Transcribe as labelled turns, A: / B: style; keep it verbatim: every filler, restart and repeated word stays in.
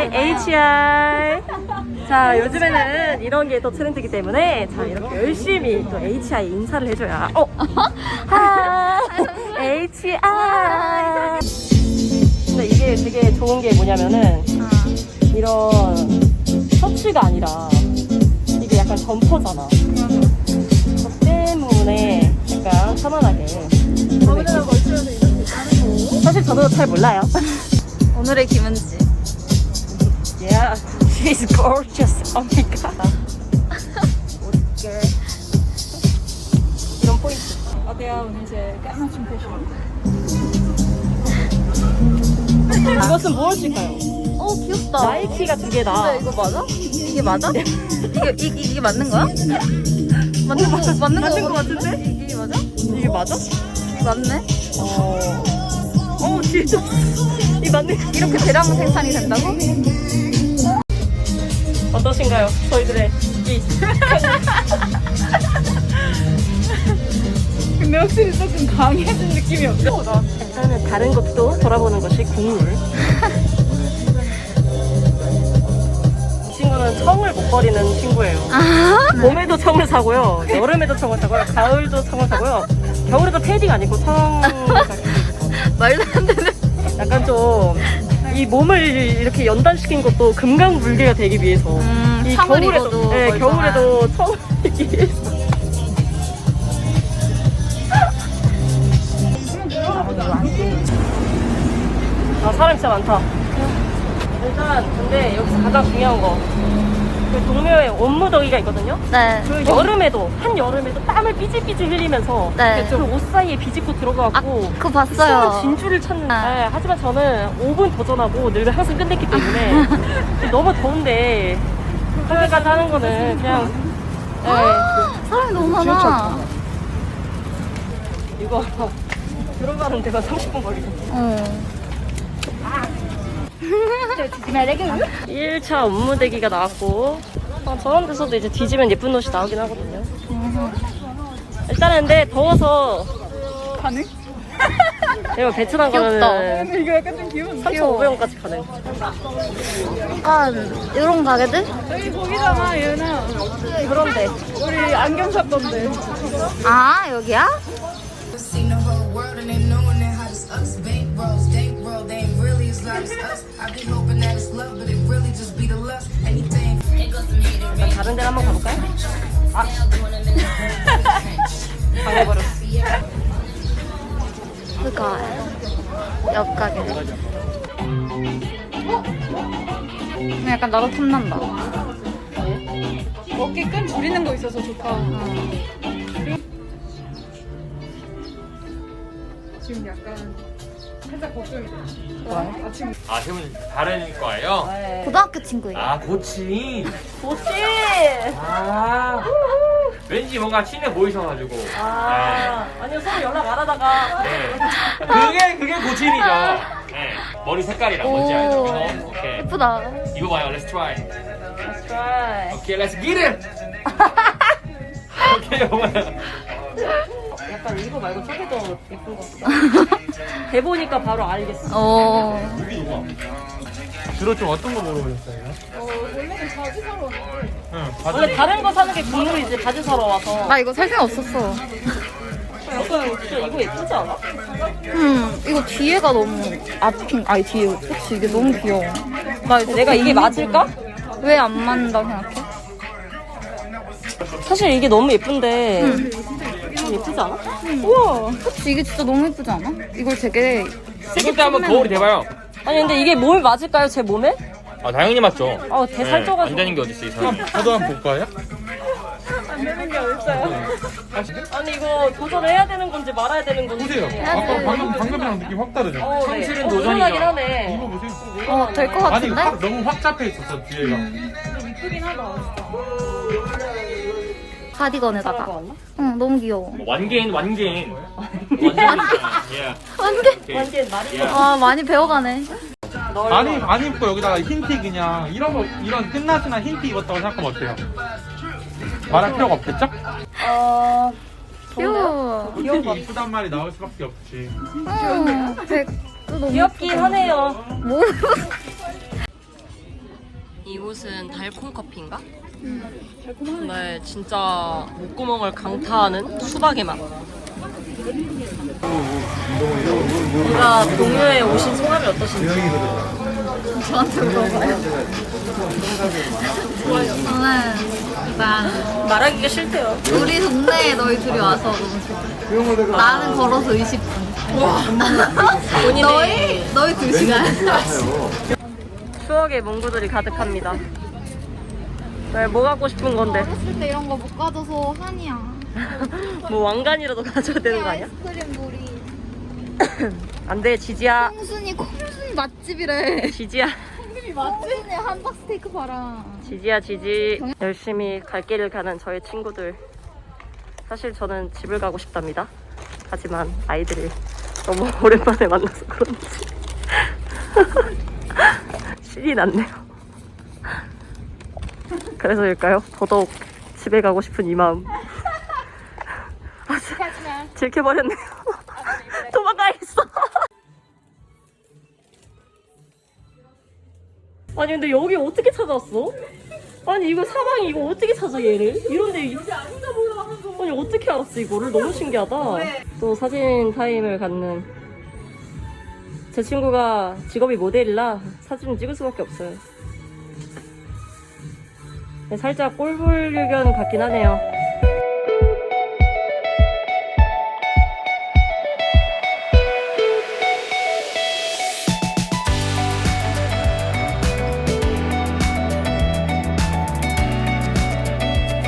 A: 하이 에이치아이. 자, 요즘에는 이런 게 또 트렌드이기 때문에 자, 이렇게 열심히 또 에이치아이 인사를 해줘야. 어? 하이 에이치아이. 근데 이게 되게 좋은 게 뭐냐면은 이런 셔츠가 아니라 이게 약간 점퍼잖아. 그 때문에 약간 편안하게.
B: 아무데나 걸치면서 이렇게 자르고.
A: 사실 저도 잘 몰라요.
C: 오늘의 김은지.
A: Yeah, she's gorgeous. Oh my god. 이런 포인트.
B: 어때요? 오늘 제 까만춤 패션.
A: 이것은 무엇일까요?
C: 어 귀엽다.
A: 나이키가 두 개다.
C: 근데 이거 맞아? 이게 맞아? 이게 이, 이게 맞는 거야? 맞는 거 맞는 거
A: 맞는 거 같은데?
C: 이게, 이게 맞아?
A: 이게 맞아?
C: 이게 맞네.
A: 어. 어, 진짜. 이 맞네.
C: 이렇게 대량 생산이 된다고?
A: 어떠신가요? 저희들의 이.
B: 근데 확실히 조금 강해진 느낌이 없어.
A: 일단은 다른 것도 돌아보는 것이 국룰. 이 친구는 청을 못 버리는 친구예요.
C: 아
A: 봄에도 청을 사고요, 여름에도 청을 사고요, 가을도 청을 사고요, 겨울에도 패딩 아니고 청.
C: 말도 안 되는.
A: 약간 좀 이 몸을 이렇게 연단시킨 것도 금강불개가 되기 위해서.
C: 음,
A: 이
C: 청을
A: 겨울에도,
C: 입어도
A: 네,
C: 멀쩡한.
A: 겨울에도 청을 입기 위해서. 아, 사람 진짜 많다. 일단 근데 여기서 가장 중요한 거, 그 동묘에 온무더기가 있거든요.
C: 네.
A: 그 여름에도, 한 여름에도 땀을 삐질삐질 흘리면서
C: 네.
A: 그 옷 사이에 비집고 들어가고
C: 아 그거
A: 숨은
C: 봤어요.
A: 진주를 찾는.
C: 아.
A: 네, 하지만 저는 오 분 도전하고 늘 항상 끝냈기 때문에 너무 더운데 그렇게까지 하는 거는 그냥. 네.
C: 사람이 너무 많아.
A: 이거 들어가는 데가 삼십 분 걸리거든요.
C: 어.
A: 일 차 온무대기가 나왔고, 어, 저런 데서도 이제 뒤지면 예쁜 옷이 나오긴 하거든요. 일단은 근데 더워서
B: 가능?
A: 이거 베트남
C: 귀엽다.
A: 가면은
B: 근데 이거 약간 좀 귀여운데?
A: 삼천오백 원까지 가능.
C: 약간 이런 가게들?
B: 여기 거기잖아, 예은아.
A: 그런데
B: 우리 안경 샀던데.
C: 아 여기야?
D: Seen the whole world and they knowing that how this us bankrolls, bankroll, they ain't really as loud as us. I've been hoping that it's love, but it really just be the lust. Anything.
A: 일단 다른 데를 한번 가볼까요? 아, 방해버렸어.
C: 그니까 옆 가게. 근데 약간 나도 탐난다.
B: 어깨 끈 줄이는 거 있어서 좋다. 지금 약간 살짝 걱정이 돼. 아, 지금
E: 아, 세 분 다른 거예요?
C: 고등학교 친구예요.
E: 아, 고치.
A: 좋지.
E: 아, 왠지 뭔가 친해 보이셔가지고.
A: 아, 아니요, 서로 연락 안 하다가.
E: 네. 그게, 그게 고친이죠. 네. 머리 색깔이랑 뭔지 알죠?
C: 오.
E: 어, 오케이.
C: 예쁘다.
E: 이거 봐요, let's try.
A: That's right.
E: 오케이, let's get it! 오케이, 이거봐요.
A: 약간 이거 말고 저게 더 예쁜 것 같다. 해보니까 바로 알겠어.
C: 어.
E: 주로 좀 어떤 거 물어보셨어요?
B: 어, 원래는 바지 사러 왔는데.
E: 응,
A: 원래 다른 거 사는 게 국룰이지, 바지 사러 와서.
C: 나 이거 살 생각 없었어.
A: 약간 진짜 이거 예쁘지 않아?
C: 음, 이거 뒤에가 너무 앞핀. 아니 뒤에. 그치 이게 너무 귀여워. 나 이거
A: 내가 이게 맞을까?
C: 왜 안 맞는다고 생각해?
A: 사실 이게 너무 예쁜데. 좀 예쁘지 않아? 우와.
C: 그치 이게 진짜 너무 예쁘지 않아? 이걸 되게
E: 이것도 한번 거울이 돼봐요.
A: 아니, 근데 이게 몸에 맞을까요, 제 몸에?
E: 아, 당연히 맞죠.
A: 아, 대살쪄가지고.
E: 안 되는 게 어딨어, 이 사람. 저도 한번 볼까요?
B: 안 되는 게 어딨어요?
A: 아니, 이거 도전해야 되는 건지 말아야 되는 건지.
F: 보세요. 아까 방금 방금이랑 느낌 확 다르죠?
A: 어, 네.
E: 성실은
A: 어,
E: 도전이죠.
A: 도전하긴 하네.
F: 이거 보세요.
C: 어 될 것
F: 아니
C: 같은데?
F: 확, 너무 확 잡혀 있었어 뒤에가.
B: 이쁘긴 하다.
C: 가디건에다가.
A: 왔나?
C: 응 너무 귀여워.
E: 완개인, 완개인. 완개인. 예.
C: 완전.
A: 완전 말이
E: 예.
C: 아 많이 배워가네.
F: 아니 안 입고 여기다가 흰티 그냥 이런 거 이런 끝나시나 흰티 입었다고 생각하면 어때요? 말할 필요가 없겠죠?
A: 어...
C: 귀여워.
F: 솔직히 이쁘단 말이 나올 수밖에 없지.
C: 응. 되게 또 너무
A: 귀엽긴 하네요.
C: 뭐?
A: 이곳은 달콤 커피인가? 네, 진짜 목구멍을 강타하는 수박의 맛. 뭔가 동요에 오신 소감이 어떠신지?
C: 저한테 물어봐요. 저는 일단
A: 말하기가 싫대요.
C: 우리 동네에 너희 둘이 와서 너무 좋아. 나는 걸어서 이십 분.
A: 본인의
C: 너희 너희 두 시간.
A: 추억의 문구들이 가득합니다. 왜, 뭐 갖고 싶은 건데?
C: 어렸을 때 이런 거 못 가져서 한이야.
A: 뭐 왕관이라도 가져야 되는 거 아니야?
C: 아이스크림 놀이.
A: 안 돼, 지지야.
C: 콩순이 콩순이 맛집이래.
A: 지지야.
C: 콩순이 맛집이네. 한박 스테이크 봐라.
A: 지지야, 지지. 열심히 갈 길을 가는 저의 친구들. 사실 저는 집을 가고 싶답니다. 하지만 아이들이 너무 오랜만에 만나서 그런지 신이 났네요. 그래서일까요? 더더욱 집에 가고 싶은 이 마음. 아, 들켜버렸네요. 도망가야겠어. 아니 근데 여기 어떻게 찾아왔어? 아니 이거 사방이 이거 어떻게 찾아 얘를? 이런데 이- 아니 어떻게 알았어 이거를? 너무 신기하다. 또 사진 타임을 갖는 제 친구가 직업이 모델이라 사진을 찍을 수밖에 없어요. 살짝 꼴불견 같긴 하네요.